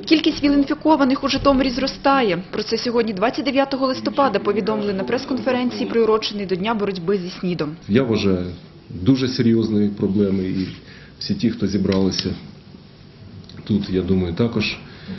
Кількість ВІЛ-інфікованих у Житомирі зростає. Про це сьогодні, 29 листопада, повідомили на прес-конференції, приуроченій до Дня боротьби зі СНІДом. Я вважаю, дуже серйозні проблеми, і всі ті, хто зібралися тут, я думаю, також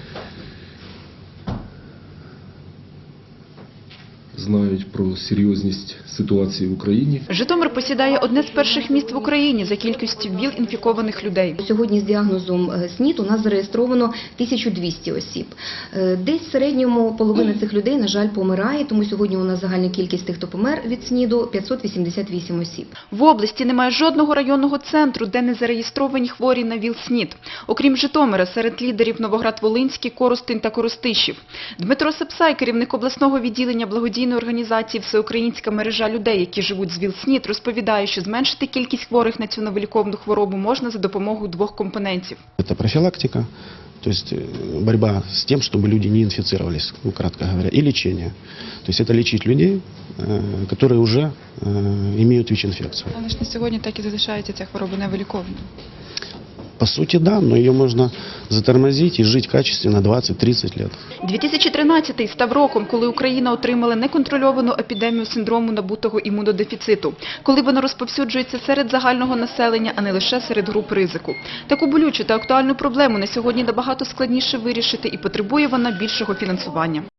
знають про серйозність ситуації в Україні. Житомир посідає одне з перших міст в Україні за кількістю ВІЛ-інфікованих людей. Сьогодні з діагнозом СНІД у нас зареєстровано 1200 осіб. Десь в середньому половина цих людей, на жаль, помирає, тому сьогодні у нас загальна кількість тих, хто помер від СНІДу – 588 осіб. В області немає жодного районного центру, де не зареєстровані хворі на ВІЛ-СНІД. Окрім Житомира, серед лідерів Новоград-Волинський, Коростень та Коростишів. Дмитро Сапсай, керівник обласного відділення благодійної організації «Всеукраїнська мережа людей, які живуть з ВІЛ-СНІД», розповідає, що зменшити кількість хворих на цю новоліковну хворобу можна за допомогою двох компонентів. Це профілактика, то есть борьба с тем, чтобы люди не инфицировались, кратко говоря, и лечение. То есть это лечить людей, которые уже имеют ВИЧ-инфекцию. Але ж на сьогодні так і залишається ця хвороба невиліковною. По сути, да, но ее можно затормозить и жить качественно 20-30 лет. 2013-й став роком, коли Україна отримала неконтрольовану епідемію синдрому набутого імунодефіциту, коли воно розповсюджується серед загального населення, а не лише серед груп ризику. Таку болючу та актуальну проблему на сьогодні набагато складніше вирішити і потребує вона більшого фінансування.